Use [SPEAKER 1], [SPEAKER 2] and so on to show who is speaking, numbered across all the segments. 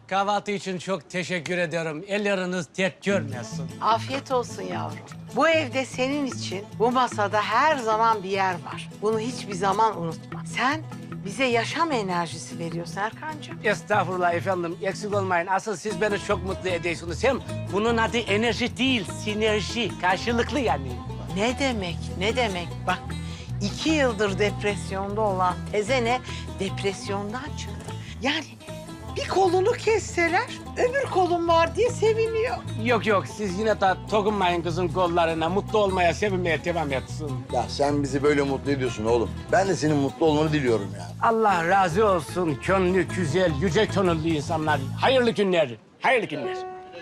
[SPEAKER 1] Kahvaltı için çok teşekkür ederim. Elleriniz dert görmesin.
[SPEAKER 2] Afiyet olsun yavrum. Bu evde senin için bu masada her zaman bir yer var. Bunu hiçbir zaman unutma. Sen bize yaşam enerjisi veriyorsun Erkancığım.
[SPEAKER 1] Estağfurullah efendim, eksik olmayın. Asıl siz beni çok mutlu ediyorsunuz. Hem bunun adı enerji değil, sinerji. Karşılıklı yani.
[SPEAKER 2] Ne demek, ne demek? Bak 2 yıldır depresyonda olan tezene depresyondan çıktı. Yani bir kolunu kesseler öbür kolun var diye seviniyor.
[SPEAKER 1] Yok yok, siz yine de dokunmayın kızın kollarına. Mutlu olmaya, sevinmeye devam etsin.
[SPEAKER 3] Ya sen bizi böyle mutlu ediyorsun oğlum. Ben de senin mutlu olmanı diliyorum ya.
[SPEAKER 1] Allah razı olsun. Gönlü güzel, yüce gönüllü insanlar. Hayırlı günler, hayırlı günler.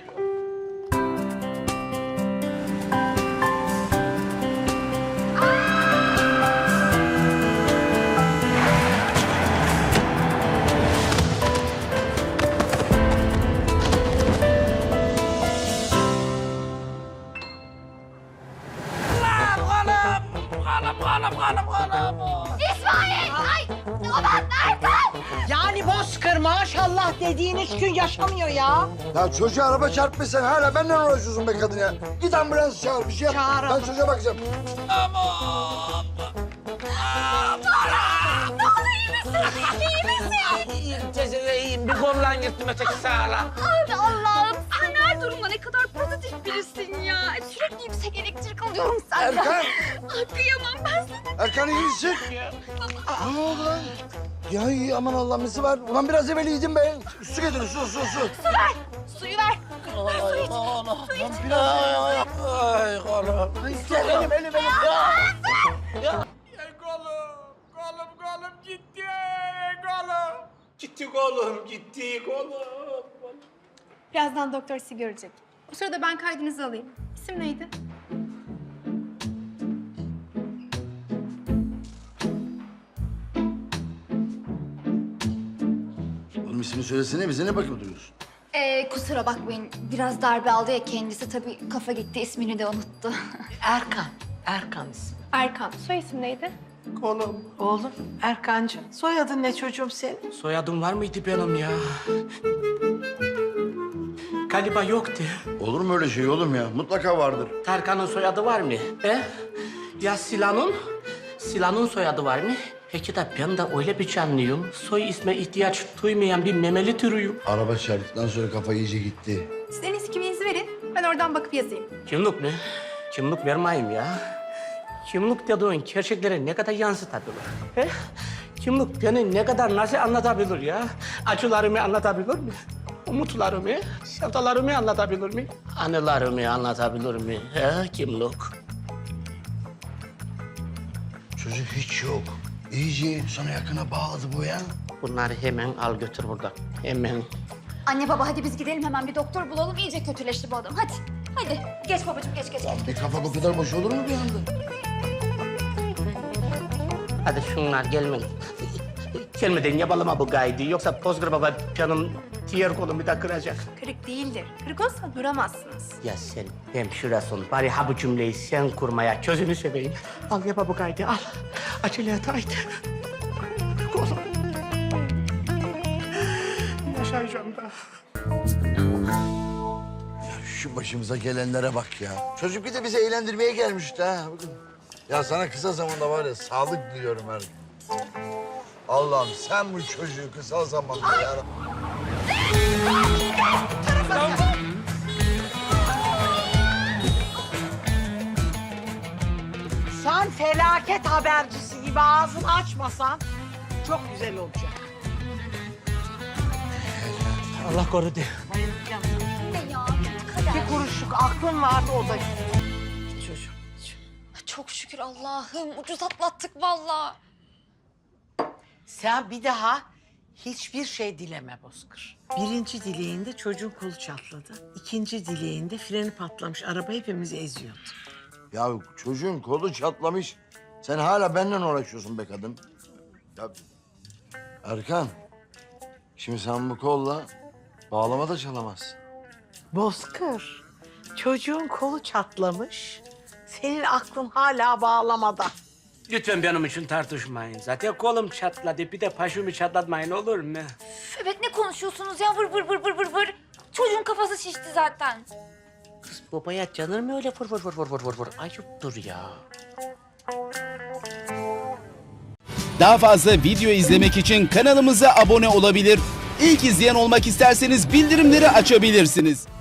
[SPEAKER 4] İsmail! Ay! Aman Erkan!
[SPEAKER 2] Yani Bozkır maşallah dediğin 3 gün yaşamıyor ya.
[SPEAKER 3] Ya çocuğa araba çarpmış, sen hala benden uğraşıyorsun be kadın ya. Git ambulans çağır, bir şey yap.
[SPEAKER 2] Çağır.
[SPEAKER 3] Ben çocuğa bakacağım.
[SPEAKER 1] İyiyim, bir kollan gittim öteki sağla.
[SPEAKER 4] Ay Allah'ım! Sen her durumda ne kadar pozitif birisin ya. Sürekli yüksek elektrik alıyorum senden.
[SPEAKER 3] Erkan!
[SPEAKER 4] Ay kıyamam ben sana.
[SPEAKER 3] Erkan iyi misin? Ne oldu lan? Ya iyi, aman Allah'ım nesi var? Ulan biraz evvel iyiydim be. Su getirin, su.
[SPEAKER 4] Suyu ver. Su iç.
[SPEAKER 1] Ay kolum.
[SPEAKER 3] Elim.
[SPEAKER 1] Kolum gitti. Kolum. Gitti kolum, gitti kolum.
[SPEAKER 5] Birazdan doktor sizi görecek. O sırada ben kaydınızı alayım. İsim neydi?
[SPEAKER 3] Oğlum ismini söylesene, bize ne bakıp duruyorsun?
[SPEAKER 4] Kusura bakmayın. Biraz darbe aldı ya kendisi. Tabii kafa gitti ismini de unuttu.
[SPEAKER 2] Erkan ismi.
[SPEAKER 5] Erkan. Soy isim neydi?
[SPEAKER 1] Kolum.
[SPEAKER 2] Oğlum Erkancığım. Soyadın ne çocuğum senin?
[SPEAKER 1] Soyadım var mıydı benim ya? Galiba yoktu.
[SPEAKER 3] Olur mu öyle şey oğlum ya? Mutlaka vardır.
[SPEAKER 1] Tarkan'ın soyadı var mı? Ya Sila'nın? Sila'nın soyadı var mı? Peki de ben de öyle bir canlıyım. Soy isme ihtiyaç duymayan bir memeli türüyüm.
[SPEAKER 3] Araba çarptıktan sonra kafa iyice gitti.
[SPEAKER 5] Siz en iyisi kimliğinizi verin. Ben oradan bakıp yazayım.
[SPEAKER 1] Kimlik mi? Kimlik vermeyeyim ya. Kimlik dediğin gerçekleri ne kadar yansıtabilir? He? Kimlik beni ne kadar nasıl anlatabilir ya? Acılarımı anlatabilir mi? Umutlarımı, sevdalarımı anlatabilir mi? Anılarımı anlatabilir mi? He, kimlik?
[SPEAKER 3] Çocuk hiç yok. İyice sana yakına bağladı bu ya.
[SPEAKER 1] Bunları hemen al götür buradan. Hemen.
[SPEAKER 4] Anne baba hadi biz gidelim hemen bir doktor bulalım. İyice kötüleşti bu adam. Hadi. Hadi. Geç babacığım geç.
[SPEAKER 3] Bir kafa bu kadar boş olur mu bir anda?
[SPEAKER 1] Hadi şunlar gelmeyin. Gelmeden yapalım bu gaydi. Yoksa Bozkır Baba canım diğer kolumu da kıracak.
[SPEAKER 5] Kırık değildir. Kırık olsa duramazsınız.
[SPEAKER 1] Ya sen hemşiresin. Bari ha bu cümleyi sen kurmaya gözünü seveyim. Al yap bu kaydı al. Acele et haydi. Oğlum. Yaşayacağım da.
[SPEAKER 3] Şu başımıza gelenlere bak ya. Çocuk bir de bizi eğlendirmeye gelmişti ha. Bakın. Ya sana kısa zamanda var ya sağlık diliyorum her gün. Allah'ım sen bu çocuğu kısa zamanda yarabbim.
[SPEAKER 2] Sen felaket habercisi gibi ağzını açmasan çok güzel olacak.
[SPEAKER 1] Allah korudu.
[SPEAKER 4] Ne ya? Kötü kader.
[SPEAKER 2] Bir kuruşluk aklın vardı o da gitti. Çocuğum.
[SPEAKER 4] Çok şükür Allah'ım. Ucuz atlattık vallahi.
[SPEAKER 2] Sen bir daha hiçbir şey dileme Bozkır. Birinci dileğinde çocuğun kolu çatladı. İkinci dileğinde freni patlamış. Araba hepimizi eziyordu.
[SPEAKER 3] Ya çocuğun kolu çatlamış. Sen hala benden uğraşıyorsun be kadın. Ya Erkan, şimdi sen bu kolla bağlama da çalamazsın.
[SPEAKER 2] Bozkır, çocuğun kolu çatlamış. Senin aklın hala bağlamada.
[SPEAKER 1] Lütfen benim için tartışmayın. Zaten kolum çatladı. Bir de başımı çatlatmayın olur mu?
[SPEAKER 4] Evet ne konuşuyorsunuz ya vır vır vır vır vır vır. Çocuğun kafası şişti zaten.
[SPEAKER 1] Kız babaya canır mı öyle vur vur vur vur vur vur vur. Ayıptır ya.
[SPEAKER 6] Daha fazla video izlemek için kanalımıza abone olabilir. İlk izleyen olmak isterseniz bildirimleri açabilirsiniz.